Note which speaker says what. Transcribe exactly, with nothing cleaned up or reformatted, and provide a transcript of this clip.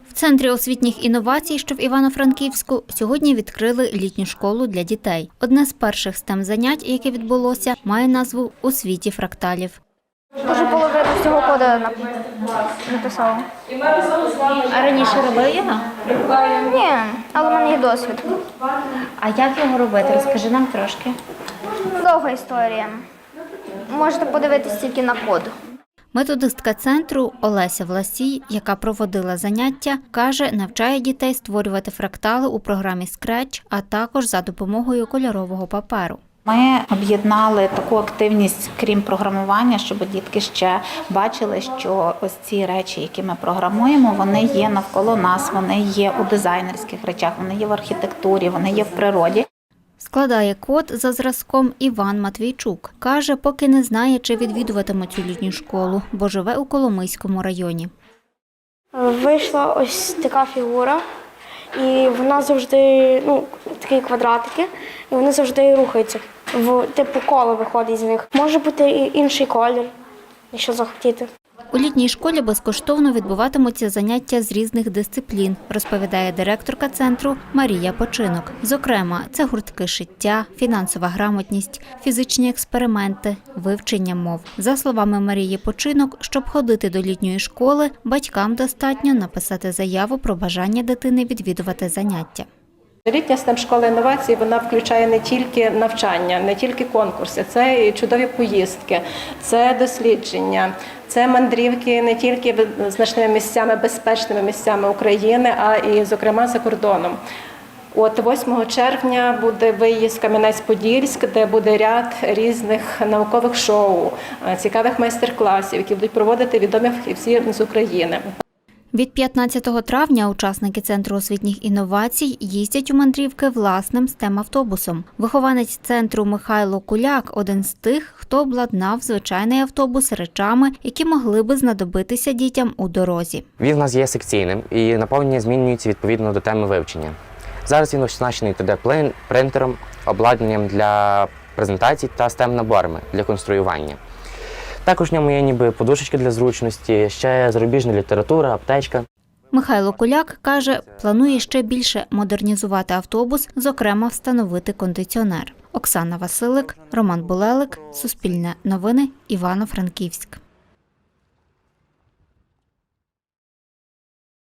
Speaker 1: В Центрі освітніх інновацій, що в Івано-Франківську, сьогодні відкрили літню школу для дітей. Одне з перших стем-занять, яке відбулося, має назву «У світі фракталів».
Speaker 2: Дуже половину всього коду написала.
Speaker 1: А раніше робив його?
Speaker 2: Ні, але в мене є досвід.
Speaker 1: А як його робити? Розкажи нам трошки.
Speaker 2: Довга історія. Можете подивитися тільки на код.
Speaker 1: Методистка центру Олеся Власій, яка проводила заняття, каже, навчає дітей створювати фрактали у програмі Scratch, а також за допомогою кольорового паперу.
Speaker 3: Ми об'єднали таку активність, крім програмування, щоб дітки ще бачили, що ось ці речі, які ми програмуємо, вони є навколо нас, вони є у дизайнерських речах, вони є в архітектурі, вони є в природі.
Speaker 1: Складає код за зразком Іван Матвійчук. Каже, поки не знає, чи відвідуватиме цю літню школу, бо живе у Коломийському районі.
Speaker 4: Вийшла ось така фігура, і вона завжди, ну, такі квадратики, і вони завжди рухаються. В типу коло виходить з них. Може бути і інший колір, якщо захотіти.
Speaker 1: У літній школі безкоштовно відбуватимуться заняття з різних дисциплін, розповідає директорка центру Марія Починок. Зокрема, це гуртки шиття, фінансова грамотність, фізичні експерименти, вивчення мов. За словами Марії Починок, щоб ходити до літньої школи, батькам достатньо написати заяву про бажання дитини відвідувати заняття.
Speaker 5: Літня стем-школа інновацій, вона включає не тільки навчання, не тільки конкурси, це і чудові поїздки, це дослідження, це мандрівки не тільки значними місцями, безпечними місцями України, а і, зокрема, за кордоном. От восьмого червня буде виїзд в Кам'янець-Подільськ, де буде ряд різних наукових шоу, цікавих майстер-класів, які будуть проводити відомі фахівці з України.
Speaker 1: Від п'ятнадцятого травня учасники Центру освітніх інновацій їздять у мандрівки власним стем-автобусом. Вихованець центру Михайло Куляк – один з тих, хто обладнав звичайний автобус речами, які могли би знадобитися дітям у дорозі.
Speaker 6: Він у нас є секційним і наповнення змінюється відповідно до теми вивчення. Зараз він оснащений три де-принтером, обладнанням для презентацій та стем-наборами для конструювання. Також в ньому є ніби подушечки для зручності, ще зарубіжна література, аптечка.
Speaker 1: Михайло Куляк каже, планує ще більше модернізувати автобус, зокрема встановити кондиціонер. Оксана Василик, Роман Булелик, Суспільне новини, Івано-Франківськ.